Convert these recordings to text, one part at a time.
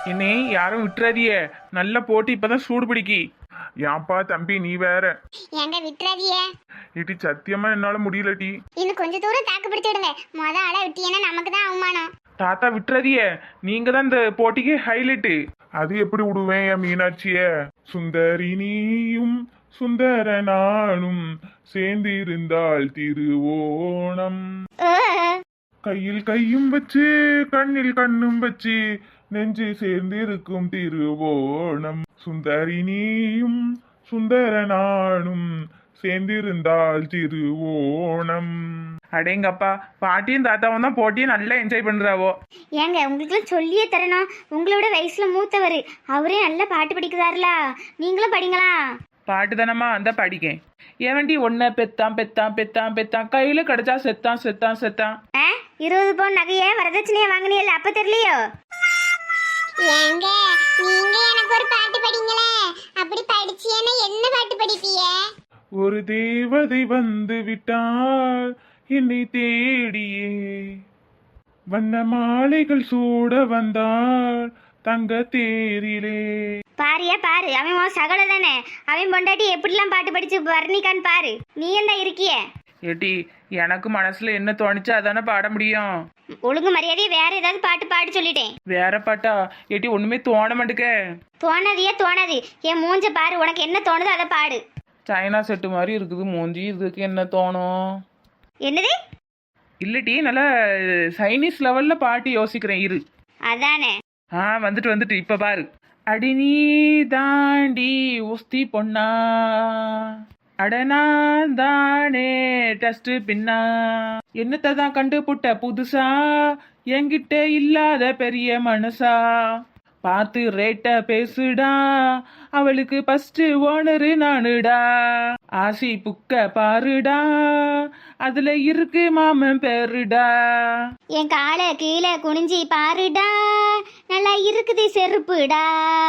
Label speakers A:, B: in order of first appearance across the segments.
A: என்னே யாரும் விட்டுறாதியே, நல்ல போட்டு இப்பதான் சூடு பிடிக்கி. ஏன்பா தம்பி நீ வேற.
B: ஏங்க விட்டுறாதியே.
A: இடி சத்தியமா என்னால முடியலடி.
B: இன்னும் கொஞ்ச தூரம் தாக்கு பிடிச்சு விடுங்க. மொத ஆளா விட்டீங்கன்னா நமக்கு தான் அவமானம்.
A: தாத்தா விட்டுறாதியே, நீங்க தான் இந்த போட்டிக்கு ஹைலைட்டு. அது எப்படி விடுவேன் என் மீனாட்சிய? சுந்தரி நீயும் சுந்தர நானும் சேர்ந்திருந்தால் திருவோணம். கையில் கையும் வச்சு கண்ணில் கண்ணும் வச்சு நெஞ்சு சேர்ந்திருக்கும் திருவோணம். சுந்தரி நீயும் சுந்தர நானும் சேர்ந்திருந்தால் திருவோணம். அடேங்கப்பா, பாட்டியும் தாத்தாவும் தான் போட்டியை நல்லா என்ஜாய் பண்றாவோ.
B: ஏங்க உங்களுக்குலாம் சொல்லியே தரணும். உங்களோட வயசுல மூத்தவர், அவரே நல்லா பாட்டு படிக்கிறாருலா, நீங்களும் படிங்களா?
A: பாட்டு தானம்மா அந்த படிக்கேன். ஏவண்டி ஒன்ன பெத்தான் பெத்தான் பெத்தான் பெத்தான் கையில கிடைச்சா செத்தான் செத்தான் செத்தான்.
B: 20 பவுன் நகையே வரதட்சணையா வாங்கினீல்ல, அப்ப தெரியலையோ? ஏங்க நீங்க எனக்கு ஒரு பாட்டு படிங்களே. அப்படி படிச்சீனா என்ன பாட்டு படிப்பீங்க?
A: ஒரு தேவதை வந்து விட்டாள் என்னை தேடியே, வண்ண மாலைகள் சூட வந்தாள் தங்க தேரிலே.
B: பாரியா பாரு, அவன் உன் சகல தானே. அவன் பொண்டாட்டி எப்படிலாம் பாட்டு படிச்சு வர்ணிக்கான்னு பாரு. நீ என்ன இருக்கிய?
A: ஏட்டி எனக்கு மனசுல என்ன தோணுச்சோ அதானே பாட முடியும்.
B: ஒழுங்கு மரியாதையே வேற ஏதாவது பாட்டு பாடி சொல்லிட்டேன்.
A: வேற பாட்டா? ஏட்டி ஒண்ணுமே தோண மாட்டுக்க.
B: தோணாதியே தோணாது. என் மூஞ்ச பாரு, உனக்கு என்ன தோணுதோ அதை பாடு.
A: சைனா செட்டு மாதிரி இருக்குது மூஞ்சி, இதுக்கு என்ன தோணும்?
B: என்னது?
A: இல்லட்டி நல்லா சைனீஸ் லெவல்ல பாட்டு யோசிக்கிறேன் இரு.
B: அதானே.
A: வந்துட்டு இப்ப பாரு. அடி நீ தாண்டி உஸ்தி பொண்ணா, அடனா தானே டஸ்ட் பின்னா, என்னத்தை தான் கண்டு புட்ட புதுசா, என்கிட்ட இல்லாத பெரிய மனசா, பார்த்து ரேட்ட பேசுடா, அவளுக்கு ஃபர்ஸ்ட் ஓனரு நானுடா, ஆசி புக்க பாருடா, அதுல இருக்கு மாமன் பேருடா,
B: என் காலை கீழே குனிஞ்சி பாருடா, நல்லா இருக்குது செருப்புடா.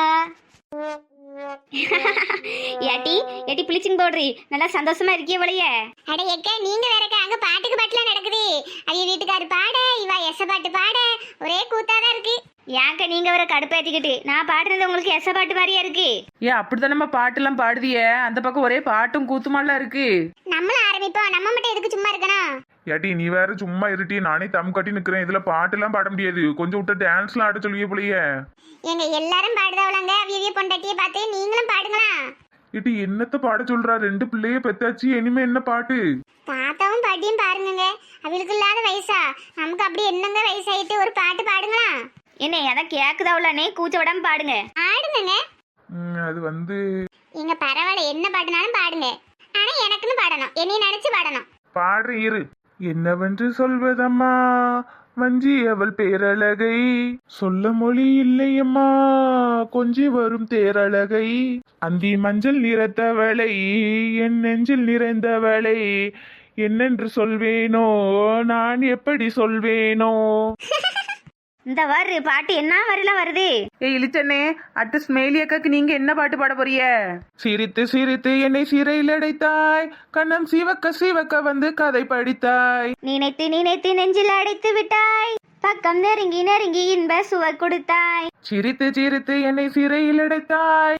B: ஏட்டி ஏட்டி பிளிச்சிங் பவுடரி நல்லா சந்தோஷமா இருக்கிய போலயே. அட எக்க நீங்க வேறக்க அங்க பாட்டுக்கு பாட்டுலாம் நடக்குது. ஐய வீட்டுக்காரு பாட, இவ எச பாட்டு பாட, ஒரே கூத்தாதான் இருக்கு. ஏங்க நீங்க வர கடுப்பேத்திக்கிட்டு நான் பாடுறது உங்களுக்கு எச பாட்டு மாதிரியா இருக்கு?
A: ஏன் அப்படித்தானம்மா பாட்டெல்லாம் பாடுதிய? அந்த பக்கம் ஒரே பாட்டும் கூத்துமாலாம் இருக்கு.
B: நம்மளும் ஆரம்பிப்போம், நம்ம மட்டும் எதுக்கு சும்மா இருக்கணும்?
A: ஏட்டி நீ வேற சும்மா இருட்டி, நானே தம் கட்டி நிக்கிறேன். இதுல பாட்டெல்லாம் பாட முடியாது, கொஞ்சம் விட்டு டான்ஸ்லாம் ஆட சொல்லியே போலயே.
B: எங்க எல்லாரும் பாடுதவளங்க, அவிய பொண்டாட்டியை பார்த்து நீங்களும் பாடுங்களா?
A: ஏட்டி என்னத்த பாட சொல்றா? 2 பிள்ளைய பெத்தாச்சு, இனிமே என்ன பாட்டு?
B: தாத்தாவும் பாட்டியும் பாருங்க, அவளுக்கு இல்லாத வயசா? நமக்கு அப்படி என்னங்க வயசாயிட்டு ஒரு பாட்டு பாடுங்களா? என்ன எதை கேக்குதாவுலனே கூச்ச விடாம பாடுங்க. ஆடுங்க.
A: அது வந்து
B: எங்க பரவாயில்ல, என்ன பாட்டுனாலும் பாடுங்க. ஆனா எனக்குன்னு பாடணும், என்னைய நினைச்சு பாடணும்.
A: பாடுற இரு. என்னவென்று சொல்வதம்மா வஞ்சி அவள் பேரழகை, சொல்ல மொழி இல்லையம்மா கொஞ்சி வரும் தேரழகை, அந்தி மஞ்சள் நிறத்தவளை என் நெஞ்சில் நிறைந்தவளை, என்னென்று சொல்வேனோ நான் எப்படி சொல்வேனோ.
B: இந்த வரு பாட்டு என்ன வரலாம் வருது?
A: இளிச்சண்ணே, அட்டு ஸ்மெயிலி அக்காக்கு நீங்க என்ன பாட்டு பாட போறிய? சிரித்து சிரித்து என்னை சிறையில் அடைத்தாய், கண்ணம் சிவக்க சிவக்க வந்து கதை படித்தாய்,
B: நினைத்து நினைத்து நெஞ்சில் அடைத்து விட்டாய், பக்கம் நெருங்கி நெருங்கி இன்ப சுவை கொடுத்தாய்,
A: சிரித்து சிரித்து என்னை சிறையில் அடைத்தாய்.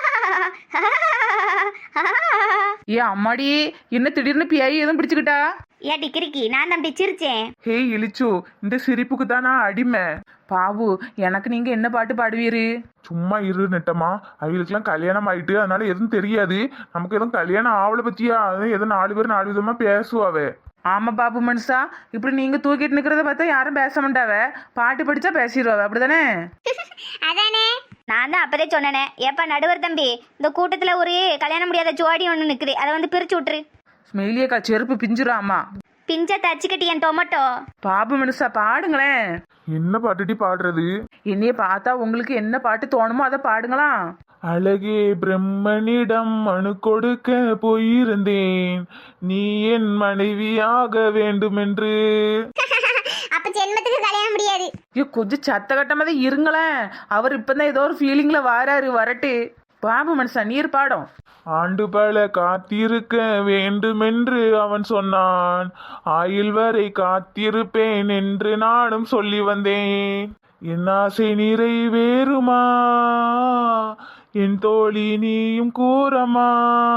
A: ஏ அம்மாடி, என்ன திடீர்னு பியாயி எதுவும் பிடிச்சுக்கிட்டா?
B: ஏ டிக்கிரிக்கி நான் தம்பி சிரிச்சேன்.
A: ஹே இழிச்சு, இந்த சிரிப்புக்கு தான் நான் அடிமை. பாபு, எனக்கு நீங்க என்ன பாட்டு பாடுவீரு? சும்மா இரு நெட்டமா, அவங்களுக்குலாம் கல்யாணம் ஆயிட்டு அதனால எதுவும் தெரியாது. நமக்கு எதுவும் கல்யாணம் ஆவலை பத்தியா, அதான் எதுவும் 4 பேர் 4 விதமா பேசுவாவே. ஆமா பாபு மனுஷா, இப்படி நீங்க தூக்கிட்டு நிக்கிறத பார்த்தா யாரும் பேச மாட்டாவ, பாட்டு படிச்சா பேசிடுவாவ, அப்படிதானே?
B: அதானே, நான் தான் அப்பதே சொன்னேனே. ஏப்பா நடுவர் தம்பி, இந்த கூட்டத்துல ஒரு கல்யாணம் முடியாத ஜோடி ஒண்ணு நிக்குது, அதை வந்து பிரிச்சு விட்டுரு.
A: ஸ்மெயிலியக்கா செருப்பு பிஞ்சிராமா.
B: பிஞ்ச தச்சுக்கிட்டு என் டொமேட்டோ.
A: பாபு மனுஷா பாடுங்களேன். என்ன பாட்டுடி பாடுறது? என்னைய பார்த்தா உங்களுக்கு என்ன பாட்டு தோணுமோ அதை பாடுங்களா. அழகே பிரம்மனிடம் மனு கொடுக்க போயிருந்தேன், நீ என் மனைவியாக வேண்டும் என்று.
B: அப்ப ஜென்மத்துக்கு கல்யாணம் முடியாது.
A: கொஞ்சம் சத்த கட்டமாத இருங்களேன், அவர் இப்பதான் ஏதோ ஒரு ஃபீலிங்ல வாராரு, வரட்டு. பாபு மனுஷா நீர் பாடும். ஆண்டு பல காத்திருக்க வேண்டுமென்று அவன் சொன்னான், ஆயுள் வரை காத்திருப்பேன் என்று நானும் சொல்லி வந்தேன். என் ஆசை நிறைவேறுமா என் தோழி நீயும் கூறமா.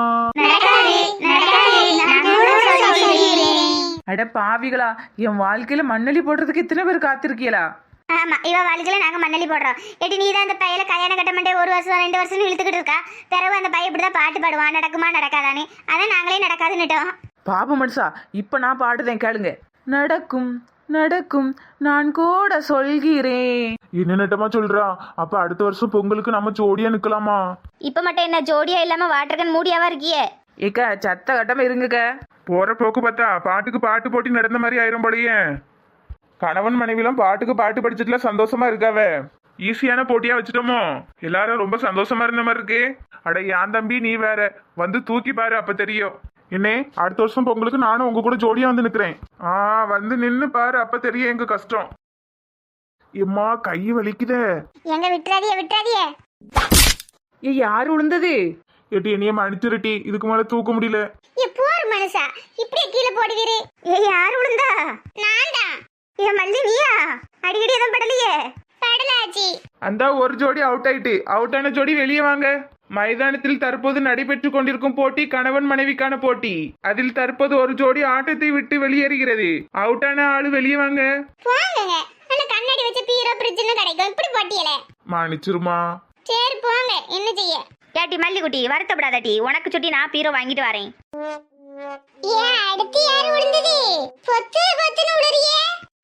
A: அட பாவிகளா, என் வாழ்க்கையில மண்ணலி போடுறதுக்கு இத்தனை பேர் காத்திருக்கீங்களா?
B: ஆமா, இவ வாழ்க்கையில நாங்க மண்ணலி போடுறோம். ஏடி நீ தான் அந்த பையல கல்யாணம் கட்ட மாட்டே 1 வருஷம் 2 வருஷம் இழுத்துக்கிட்டு இருக்கா. பிறகு அந்த பையன் இப்படிதான் பாட்டு பாடுவான், நடக்குமா நடக்காதானே. அதான் நாங்களே நடக்காதுன்னுட்டோம்.
A: பாபு மனுஷா, இப்ப நான் பாடுதேன் கேளுங்க. நடக்கும் நடக்கும் நான் கூட சொல்கிறேன். என்ன நட்டமா சொல்றா? அப்ப அடுத்த வருஷம் பொங்கலுக்கு நம்ம ஜோடியா நிக்கலாமா?
B: இப்ப மட்டும் என்ன ஜோடியா இல்லாம வாட்டர்கன் மூடியாவா இருக்கியே?
A: ஏக்கா சத்த கட்டமா இருங்கக்க. போற போக்கு பார்த்தா பாட்டுக்கு பாட்டு போட்டி நடந்த மாதிரி ஆயிரும் போலயே. கணவன் மனைவிலாம் பாட்டுக்கு பாட்டு படிச்சுட்டுல சந்தோஷமா இருக்காவே. ஈஸியான போட்டியா வச்சுட்டோமோ? எல்லாரும் ரொம்ப சந்தோஷமா இருந்த மாதிரி இருக்கு. அட என் தம்பி நீ வேற வந்து தூக்கி பாரு, அப்ப தெரியும். என்னே, அடுத்த வருஷம் பொங்கலுக்கு நானும் உங்க கூட ஜோடியா வந்து நிக்கிறேன். வந்து நின்னு பாரு, அப்ப தெரியும் எங்க கஷ்டம். எம்மா கை வலிக்குதே.
B: எங்க விட்டுறாதியே விட்டுறாதியே.
A: யாரு விழுந்தது? எட்டி என்னைய மன்னிச்சிருட்டி, இதுக்கு மேல தூக்க முடியல.
B: போர் மனுஷா, இப்படியே கீழே போடுவீரு. யாரு விழுந்தா? நான் தான். என் மல்லி நீயா? அடிக்கடி எதுவும் படலையே. படலாச்சி.
A: அந்த ஒரு ஜோடி அவுட் ஆயிட்டு. அவுட் ஆன ஜோடி வெளியே வாங்க. மைதானத்தில் தற்போது நடைபெற்றுக் கொண்டிருக்கும் போட்டி கணவன் மனைவிக்கான போட்டி. அதில் தற்போது ஒரு ஜோடி ஆட்டத்தை விட்டு வெளியேறுகிறது. அவுட் ஆன ஆளு வெளியே வாங்க.
B: போங்க. அந்த கண்ணாடி வச்ச பீரோ பிரிட்ஜ்னு கிடைக்கும். இப்படி போட்டியல.
A: மன்னிச்சிருமா.
B: சரி போங்க, என்ன செய்ய? ஏட்டி மல்லிகுட்டி, வருத்தப்படாதட்டி. உனக்கு சுட்டி நான் பீரோ வாங்கிட்டு வரேன். அடுத்து யாரு விழுந்தது? பொத்து பொத்துன்னு விழுறியே.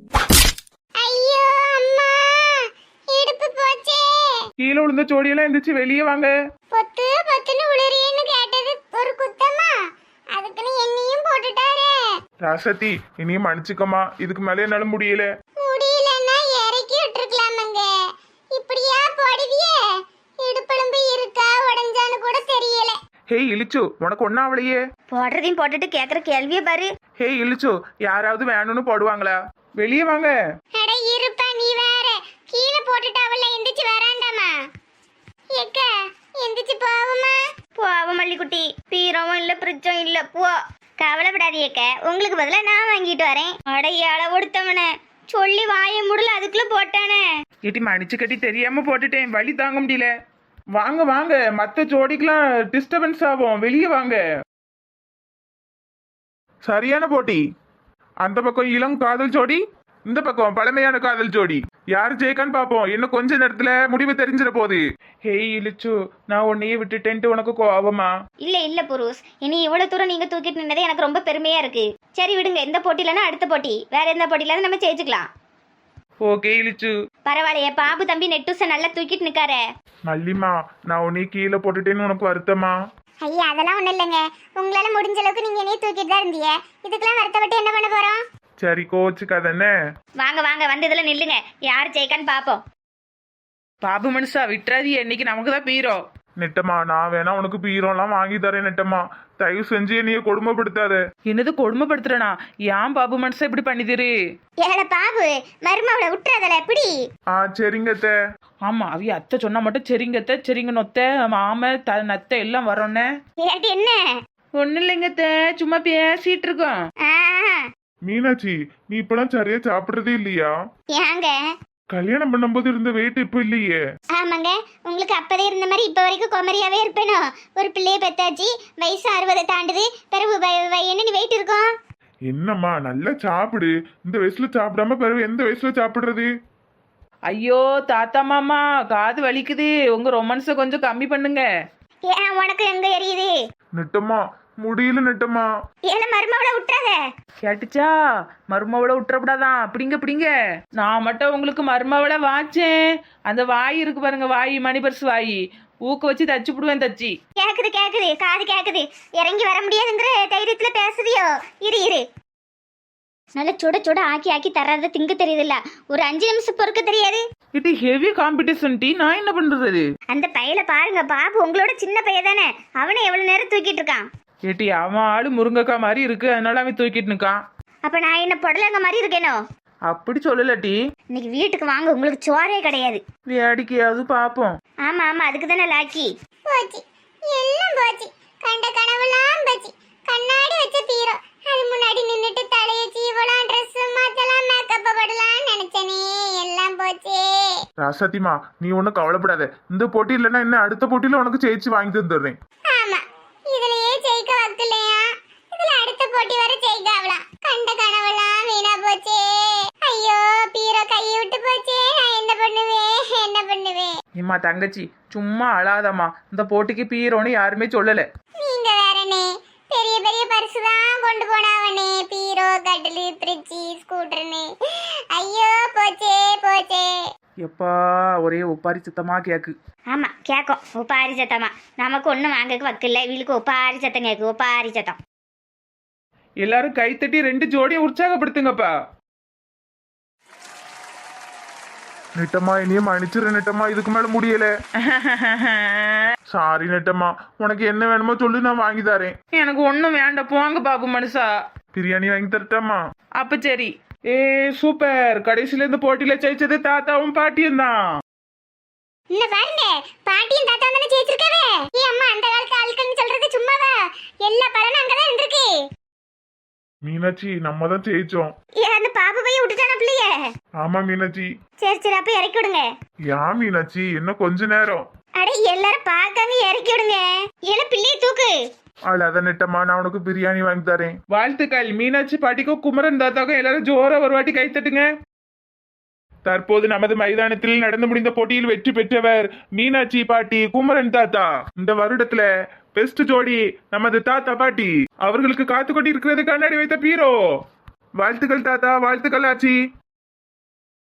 B: ஐயோ அம்மா, இடுப்பு போச்சே.
A: கீழே விழுந்த ஜோடியெல்லாம் எந்திரிச்சு வெளியே வாங்க.
B: பொத்து பொத்துன்னு விழுறியேன்னு கேட்டது ஒரு குத்தமா? அதுக்குன்னு என்னையும் போட்டுட்டாரே.
A: ராசத்தி, இனியும் மன்னிச்சுக்கமா. இதுக்கு மேலே என்னால முடியல.
B: முடியலன்னா இறக்கி விட்டுருக்கலாமங்க. இப்படியா போடுவியே? இடுப்பெலும்பு இருக்கா உடஞ்சான்னு கூட தெரியல.
A: ஹே இழிச்சு, உனக்கு ஒன்னும் அவளையே.
B: போடுறதையும் போட்டுட்டு கேக்குற கேள்வியே பாரு.
A: ஹே இழிச்சு, யாராவது வேணும்னு போடுவாங்களா? வெளியே வாங்க.
B: அட இருப்பா, நீ வேற கீழே போட்டுட்டு அவள எந்திரிச்சு வராண்டாமா. ஏக்க எந்திரிச்சு போவுமா? போவ மல்லிக்குட்டி, பீரவும் இல்ல பிரிட்ஜும் இல்ல. போ, கவலைப்படாதீக்க. உங்களுக்கு பதிலா நான் வாங்கிட்டு வரேன். அடையாள ஒடுத்தவன சொல்லி வாய முடியல, அதுக்குள்ள போட்டானே.
A: இட்டி மன்னிச்சு கட்டி தெரியாம போட்டுட்டேன். வலி தாங்க முடியல. வாங்க வாங்க, மத்த ஜோடிக்கெல்லாம் டிஸ்டர்பன்ஸ் ஆகும். வெளியே வாங்க. சரியான போட்டி. அந்த பக்கம் இளம் காதல் ஜோடி, இந்த பக்கம் பழமையான காதல் ஜோடி. யாரு ஜெயிக்கான்னு பாப்போம். இன்னும் கொஞ்ச நேரத்துல முடிவு தெரிஞ்சிட போகுது. ஹேய் இழிச்சு, நான் உன்னையே விட்டுட்டேன்ட்டு உனக்கு கோவமா?
B: இல்ல இல்ல புருஷ், இனி இவ்வளவு தூரம் நீங்க தூக்கிட்டு நின்னதே எனக்கு ரொம்ப பெருமையா இருக்கு. சரி விடுங்க, இந்த போட்டிலன்னா அடுத்த போட்டி, வேற எந்த போட்டியில நம்ம ஜெயிச்சுக்கலாம்.
A: ஓகே இழிச்சு.
B: பரவாயில்லையே, பாபு தம்பி நெட்டூச நல்லா தூக்கிட்டு நிக்காரே.
A: மல்லிமா, நான் உன்னைய கீழே போட்டுட்டேன்னு உனக்கு வருத்தமா?
B: ஐயா அதெல்லாம் ஒண்ணும் இல்லைங்க. உங்களால முடிஞ்ச அளவுக்கு நீங்க என்னைய தூக்கிட்டு தான் இருந்தீங்க. இதுக்கெல்லாம் வருத்தப்பட்டு என்ன பண்ண போறோம்?
A: சரி கோச்சுக்காதண்ணே.
B: வாங்க வாங்க, வந்து இதுல நில்லுங்க. யார் ஜெயிக்கான்னு பாப்போம்.
A: பாபு மனுஷா விட்டுறாதி, என்னைக்கு நமக்கு தான் பீரோ. நெட்டமா, நான் வேணா உனக்கு பீரோலாம் வாங்கி தரேன் நெட்டமா. தயவு செஞ்சு என்னைய கொடுமைப்படுத்தாத. என்னது கொடுமைப்படுத்துறனா? ஏன் பாபு மனுஷா இப்படி பண்ணிதிரு?
B: ஏல பாபு, மருமவளை விட்டுறதல எப்படி?
A: சரிங்க அத்தை. ஆமா, அவி அத்தை சொன்னா மட்டும் சரிங்க அத்தை, சரிங்க நொத்த மாம நத்தை எல்லாம் வரோன்னே.
B: ஏடி என்ன?
A: ஒன்னும் இல்லைங்க அத்தை, சும்மா பேசிட்டு இருக்கோம். மீனாட்சி, நீ இப்பெல்லாம் சரியா சாப்பிடுறதே இல்லையா?
B: ஏங்க
A: கல்யாணம் பண்ணும்போது இருந்த வெயிட் இப்ப இல்லையே.
B: ஆமாங்க, உங்களுக்கு அப்பதே இருந்த மாதிரி இப்ப வரைக்கும் குமரியாவே இருப்பேனோ? ஒரு பிள்ளைய பெத்தாச்சு, வயசு 60 தாண்டுது, பிறகு என்ன நீ வெயிட் இருக்கும்?
A: என்னம்மா நல்லா சாப்பிடு. இந்த வயசுல சாப்பிடாம பிறகு எந்த வயசுல சாப்பிடுறது? ஐயோ தாத்தா மாமா, காது வலிக்குது. உங்க ரொமான்ஸ கொஞ்சம் கம்மி பண்ணுங்க.
B: ஏன் உனக்கு எங்க எரியுது?
A: நெட்டமா முடியல நெட்டமா.
B: ஏல மருமவளை விட்டுறாத.
A: கேட்டுச்சா? மருமவளை விட்டுறப்படாதான். அப்படிங்க அப்படிங்க. நான் மட்டும் உங்களுக்கு மருமவளை வாச்சேன். அந்த வாய் இருக்கு பாருங்க, வாய் மணி பர்ஸ் வாய், ஊக்க வச்சு தச்சு விடுவேன். தச்சு
B: கேக்குது கேக்குது, காது கேக்குது. இறங்கி வர முடியாதுங்கிற தைரியத்துல பேசுறியோ? இரு இரு, நல்ல சுட சுட ஆக்கி ஆக்கி தர்றத திங்க தெரியுதுல்ல, ஒரு 5 நிமிஷம் பொறுக்க தெரியாது.
A: இது ஹெவி காம்படிஷன் டி. நான் என்ன பண்றது?
B: அந்த பையல பாருங்க, பாபு உங்களோட சின்ன பையன் தானே, அவனை எவ்வளவு நேரம் தூக்கிட்டு இருக்கான்.
A: ஏட்டி அவன் ஆளு முருங்கக்கா மாதிரி இருக்கு, அதனால அவன் தூக்கிட்டு நிக்கான்.
B: அப்ப நான் என்ன பொடலங்க மாதிரி இருக்கேனோ?
A: அப்படி சொல்லலட்டி.
B: இன்னைக்கு வீட்டுக்கு வாங்க, உங்களுக்கு சோறே கிடையாது.
A: வேடிக்கையாவது பாப்போம்.
B: ஆமா ஆமா, அதுக்கு தானே லாக்கி. போச்சு எல்லாம் போச்சு, கண்ட கனவுலாம் போச்சு. கண்ணாடி வச்ச பீரோ அது முன்னாடி நின்னுட்டு தலைய சீவலாம், ட்ரெஸ் மாத்தலாம், மேக்கப் போடலாம் நினைச்சனே, எல்லாம் போச்சே.
A: ராசாத்திமா நீ ஒன்றும் கவலைப்படாத. இந்த போட்டி இல்லைன்னா இன்னும் அடுத்த போட்டியில உனக்கு ஜெயிச்சு வாங்கி தந்துடுறேன்.
B: ஆமா, இதுலயே ஜெயிக்க வக்கலையா, இதுல அடுத்த போட்டி வர ஜெயிக்க ஆகலாம். கண்ட கனவெல்லாம் வீணா போச்சே. ஐயோ, பீரோ கையை விட்டு போச்சே. நான் என்ன பண்ணுவேன், என்ன பண்ணுவேன்?
C: இம்மா தங்கச்சி சும்மா அழாதம்மா. இந்த போட்டிக்கு பீரோன்னு யாருமே சொல்லல.
B: நீங்க வேறனே பெரிய பெரிய பரிசு தான் கொண்டு போனாவனே, பீரோ, கட்டிலு, ஃப்ரிட்ஜ், ஸ்கூட்டர்னு. ஐயோ போச்சே போச்சே.
C: எப்பா ஒரே ஒப்பாரி சுத்தமா கேக்கு.
B: ஆமா கேக்கும், ஒப்பாரி சத்தமா. நமக்கு ஒண்ணும் வாங்கக்கு வக்கில்ல, இவளுக்கு ஒப்பாரி சத்தம் கேக்கு, ஒப்பாரி சத்தம்.
C: எல்லாரும் கைத்தட்டி 2 ஜோடியை உற்சாகப்படுத்துங்கப்பா.
A: நெட்டம்மா இனியும் மன்னிச்சிரு நெட்டம்மா, இதுக்கு மேல முடியல. சாரி நெட்டம்மா, உனக்கு என்ன வேணுமோ சொல்லு, நான் வாங்கி தரேன்.
C: எனக்கு ஒண்ணும் வேண்டாம், போங்க பாபு மனுஷா.
A: பிரியாணி வாங்கி தரட்டாமா?
C: அப்ப சரி. ஏ சூப்பர், கடைசியில இந்த போட்டியில ஜெயிச்சது தாத்தாவும் பாட்டியும் தான்.
B: என்ன பாருங்க, பாட்டியும் தாத்தா தானே ஜெயிச்சிருக்காவே. ஏ அம்மா, அந்த காலத்து ஆட்கள்னு சொல்றது சும்மாவா? எல்லா பலனும் அங்கதான் இருந்திருக்கு.
A: மீனாட்சி நம்ம தான் ஜெயிச்சோம்.
B: ஏ, அந்த பாபு போய் விட்டுட்டான பிள்ளைய.
A: ஆமா மீனாட்சி.
B: சரி சரி, அப்ப இறக்கி விடுங்க.
A: ஏன் மீனாட்சி இன்னும் கொஞ்ச நேரம்?
B: அட எல்லாரும் பார்க்காம இறக்கி விடுங்க. ஏல பிள்ளைய தூக்கு.
A: அழாத நெட்டம்மா, நான் உனக்கு பிரியாணி வாங்கி தரேன்.
C: வாழ்த்துக்கள் மீனாட்சி பாட்டிக்கும் குமரன் தாத்தாக்கும். எல்லாரும் ஜோரா ஒரு வாட்டி கைத்தட்டுங்க. தற்போது நமது மைதானத்தில் நடந்து முடிந்த போட்டியில் வெற்றி பெற்றவர் மீனாட்சி பாட்டி, குமரன் தாத்தா. இந்த வருடத்துல பெஸ்ட் ஜோடி நமது தாத்தா பாட்டி. அவர்களுக்கு காத்து கொண்டு இருக்கிறது கண்ணாடி வைத்த பீரோ. வாழ்த்துக்கள் தாத்தா, வாழ்த்துக்கள் ஆச்சி.